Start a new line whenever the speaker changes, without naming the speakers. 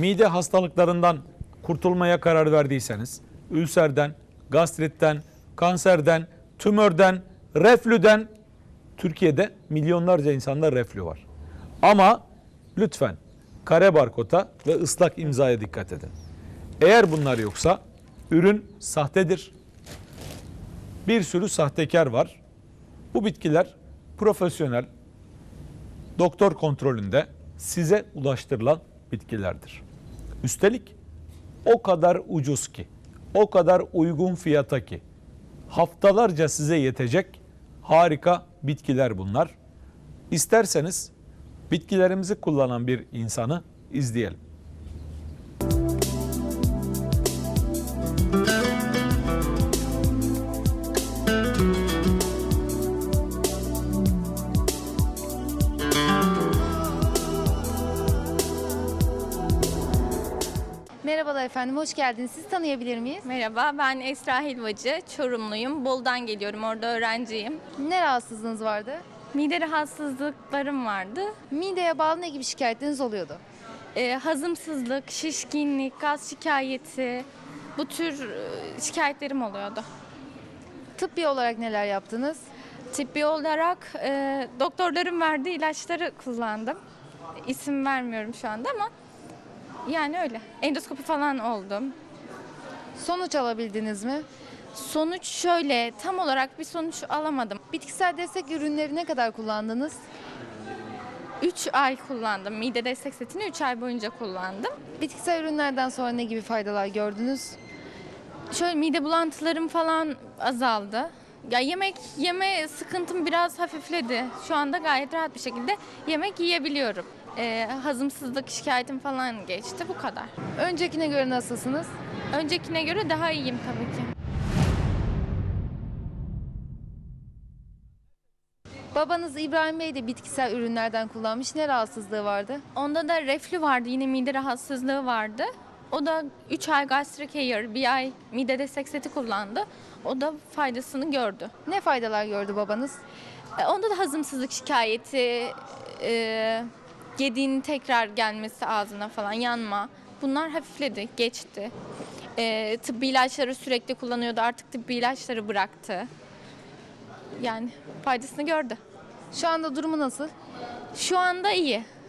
Mide hastalıklarından kurtulmaya karar verdiyseniz, ülserden, gastritten, kanserden, tümörden, reflüden, Türkiye'de milyonlarca insanda reflü var. Ama lütfen kare barkoda ve ıslak imzaya dikkat edin. Eğer bunlar yoksa ürün sahtedir. Bir sürü sahtekar var. Bu bitkiler profesyonel doktor kontrolünde size ulaştırılan bitkilerdir. Üstelik o kadar ucuz ki, o kadar uygun fiyata ki haftalarca size yetecek harika bitkiler bunlar. İsterseniz bitkilerimizi kullanan bir insanı izleyelim.
Merhabalar efendim, hoş geldiniz. Sizi tanıyabilir miyiz?
Merhaba, ben Esra Helvacı, Çorumluyum. Bolu'dan geliyorum, orada öğrenciyim.
Ne rahatsızlığınız vardı?
Mide rahatsızlıklarım vardı.
Mideye bağlı ne gibi şikayetleriniz oluyordu?
Hazımsızlık, şişkinlik, gaz şikayeti, bu tür şikayetlerim oluyordu.
Tıbbi olarak neler yaptınız?
Tıbbi olarak doktorların verdiği ilaçları kullandım. İsim vermiyorum şu anda ama yani öyle. Endoskopi falan oldum.
Sonuç alabildiniz mi?
Sonuç şöyle, tam olarak bir sonuç alamadım.
Bitkisel destek ürünleri ne kadar kullandınız?
3 ay kullandım. Mide destek setini 3 ay boyunca kullandım.
Bitkisel ürünlerden sonra ne gibi faydalar gördünüz?
Şöyle mide bulantılarım falan azaldı. Ya yemek yeme sıkıntım biraz hafifledi. Şu anda gayet rahat bir şekilde yemek yiyebiliyorum. Hazımsızlık şikayetim falan geçti, bu kadar.
Öncekine göre nasılsınız?
Öncekine göre daha iyiyim tabii ki.
Babanız İbrahim Bey de bitkisel ürünlerden kullanmış. Ne rahatsızlığı vardı?
Onda da reflü vardı, yine mide rahatsızlığı vardı. O da 3 ay gastric care, 1 ay mide destek seti kullandı. O da faydasını gördü.
Ne faydalar gördü babanız?
Onda da hazımsızlık şikayeti, yediğinin tekrar gelmesi ağzına falan, yanma. Bunlar hafifledi, geçti. Tıbbi ilaçları sürekli kullanıyordu, artık tıbbi ilaçları bıraktı. Yani faydasını gördü.
Şu anda durumu nasıl?
Şu anda iyi.